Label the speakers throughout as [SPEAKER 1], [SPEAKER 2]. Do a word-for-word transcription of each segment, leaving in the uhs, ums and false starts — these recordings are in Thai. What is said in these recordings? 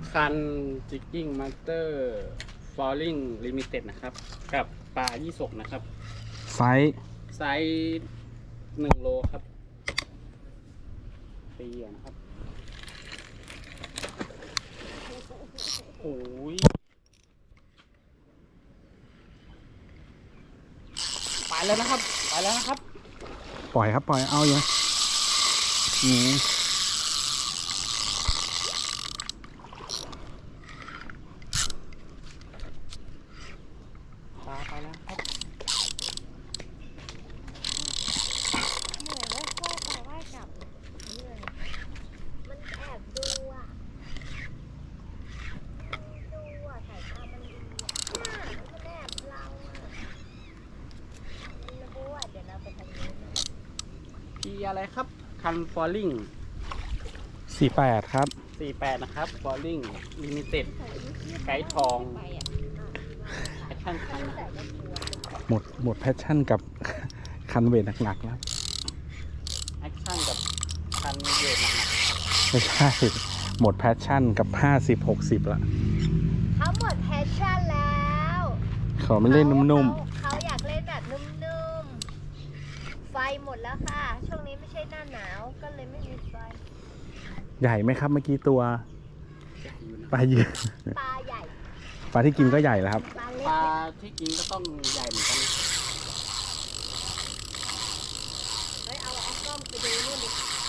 [SPEAKER 1] คันจิกกิ้งมาสเตอร์ฟอลลิ่งลิมิเต็ดนะครับกับปลายี่สกนะครับ
[SPEAKER 2] ไซส์
[SPEAKER 1] ไซส์หนึ่งโลครับปีนะครับโอ้ยไปแล้วนะครับไปแล้วนะครับ
[SPEAKER 2] ปล่อยครับปล่อยเอาอย่างนี้
[SPEAKER 1] ปลาไปแล้วครับ
[SPEAKER 3] เหนื่อยว่าพ่อปลาว่ายกลับเหนื่อยมันแอบดูอ่ะดูอ่ะสายตามันดีอ่ะน่ามันแอบเราอ่ะมันรู้อ่ะเดี๋ยวเราไปทางนี้นะ
[SPEAKER 1] พีอะไรครับคันฟอลลิ่ง
[SPEAKER 2] สี่แปดครับ
[SPEAKER 1] สี่แปดนะครับฟอลลิ่งลิมิเต็ดไกด์ทองแอคชั่นคันนะครับ
[SPEAKER 2] หมดหมดแพชชั่นกับ คันเวทหนักๆแล้ว
[SPEAKER 1] แอคชั่นกับคันเวทหนัก
[SPEAKER 2] ไม่ใช่หมดแพชชั่นกับห้าสิบหกสิบละ
[SPEAKER 3] เขาหมดแพชชั่นแล้ว
[SPEAKER 2] ขอไม่เล่นนุ่ม
[SPEAKER 3] ๆเขาอยากเล่นแบบนุ่มๆไฟหมดแล้วค่ะช่วงนี้ไม่ใช่หน้าหนาวก็เลยไม่มีไฟ
[SPEAKER 2] ๆใหญ่ไหมครับเมื่อกี้ตัว
[SPEAKER 1] ๆใหญ่อยู่นะ
[SPEAKER 2] ปลาเยอะ
[SPEAKER 3] ปลาใหญ่
[SPEAKER 2] ปลาที่กินก็ใหญ่แล้วครับ
[SPEAKER 3] ปลาเล็ก
[SPEAKER 1] ปลาที่กินก็ต้องใหญ่เหมือนกันนะ
[SPEAKER 3] เฮ้ยเอาเอากล้องไปดูนู่นดิ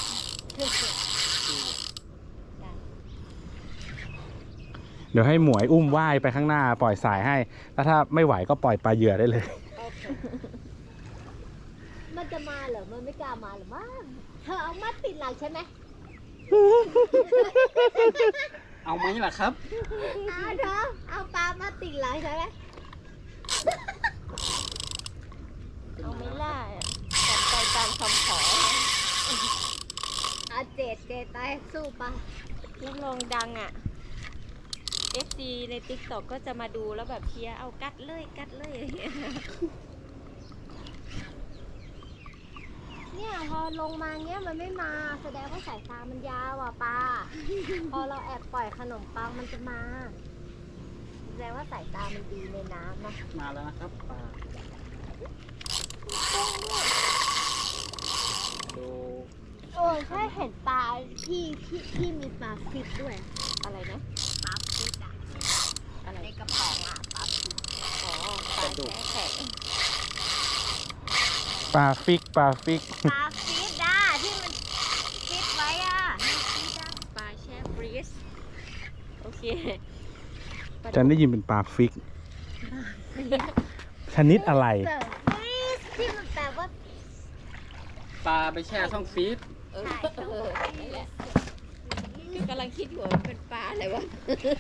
[SPEAKER 2] เดี๋ยวให้หมวยอุ้มว่ายไปข้างหน้าปล่อยสายให้แล้วถ้าไม่ไหวก็ปล่อยปลาเหยื่อได้เลย
[SPEAKER 3] มันจะมาเหรอมันไม่กล้ามาหรือมั้งเธอเอามาติดหลังใช่ไหม
[SPEAKER 1] เอาไหมล่ะครับ
[SPEAKER 3] เอาเธอเอาปลามาติดหลังใช่ไหมเอาไม่ล่ะจัดไปตามคำขอเอาเจดเจดตายสู้ปะ
[SPEAKER 4] รับรองดังอ่ะ เอฟ ซี ใน ติ๊กต็อก ก็จะมาดูแล้วแบบเชียร์เอากัดเลยกัดเลยอย่างเงี้ย
[SPEAKER 3] เนี่ยพอลงมาเงี้ยมันไม่มาแสดงว่าสายตามันยาวอ่ะปลา พอเราแอบปล่อยขนมปังมันจะมาแสดงว่าสายตามันดีในน้ำนะ
[SPEAKER 1] มาแล้วนะครับปลาดู
[SPEAKER 3] โอ้ใช่เห็นปลาที่ที่ที่มีปลาฟิตด้วย
[SPEAKER 4] อะไรนะ
[SPEAKER 3] ปลาฟิตอ่ะ
[SPEAKER 4] อะไร
[SPEAKER 3] ในกระป๋องอ่ะปลาฟิต
[SPEAKER 4] อ๋อปลาแฉะ
[SPEAKER 2] ปลาฟิกปลาฟิก
[SPEAKER 3] ปลาฟิตอ่ะที่มันฟิตไว้อ่ะมันฟิตอ่ะ
[SPEAKER 4] ปลาแช่ฟรีซโอเค
[SPEAKER 2] ฉันได้ยินเป็นปลาฟิก ชนิดอะไร
[SPEAKER 3] เสิร์ฟฟิตที่มันแปลว่า
[SPEAKER 1] ปลาไปแช่ช่องฟีด
[SPEAKER 4] เออ
[SPEAKER 3] ใช่
[SPEAKER 4] เออนั่นแหละคือกำลังคิดอยู่ว่ามันเป็นปลาอะไรวะ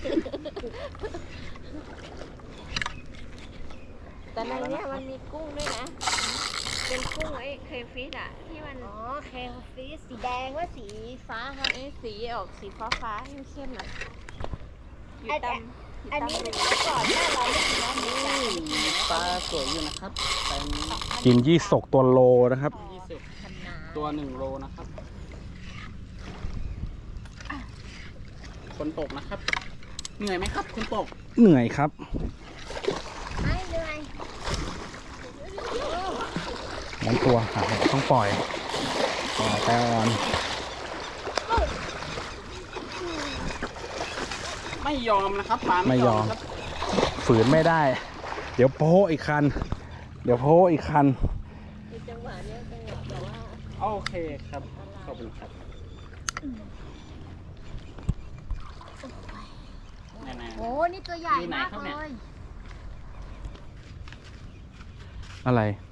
[SPEAKER 4] แต่ในเนี้ยมันมีกุ้งด้วยนะ เป็นกุ้งไอ้เครฟิชอ่ะ ที่มัน
[SPEAKER 3] อ๋อเคลฟิตสีแดงว่าสีฟ้าค่ะ
[SPEAKER 4] ไอ้สีออกสีฟ้าฟ้าๆเข้มๆหน่อยอยู่ตาม
[SPEAKER 3] อันนี้มันก็ก่อนหน้าเราไม่กินน้ำนี้จ้ะ
[SPEAKER 1] ปลาสวยอยู่นะครับเป็น
[SPEAKER 2] กินยี่สกตัวโลนะครับ
[SPEAKER 1] ยี่สิบ
[SPEAKER 3] ขนาด
[SPEAKER 1] ตัวหนึ่งโลนะครับคนตกนะครับ เหนื่อยไหมครับคนตก
[SPEAKER 2] เหนื่อยครับ
[SPEAKER 3] ไม่เหนื่อย
[SPEAKER 2] นั้นตัวหาต้องปล่อยปล่อยไปอ่อน
[SPEAKER 1] ไม่ยอมนะครับปลา
[SPEAKER 2] ไม่ยอม
[SPEAKER 1] ครับ
[SPEAKER 2] ฝืนไม่ได้ เดี๋ยวโพ้อีกคัน เดี๋ยวโพ้อีกคัน
[SPEAKER 4] ในจังหวะเนี้ยจังหวะแบบว่า
[SPEAKER 1] โอเคครับขอบคุณครับไหนๆ
[SPEAKER 3] โอ้นี่ตัวใหญ่มากเลย
[SPEAKER 2] อะไร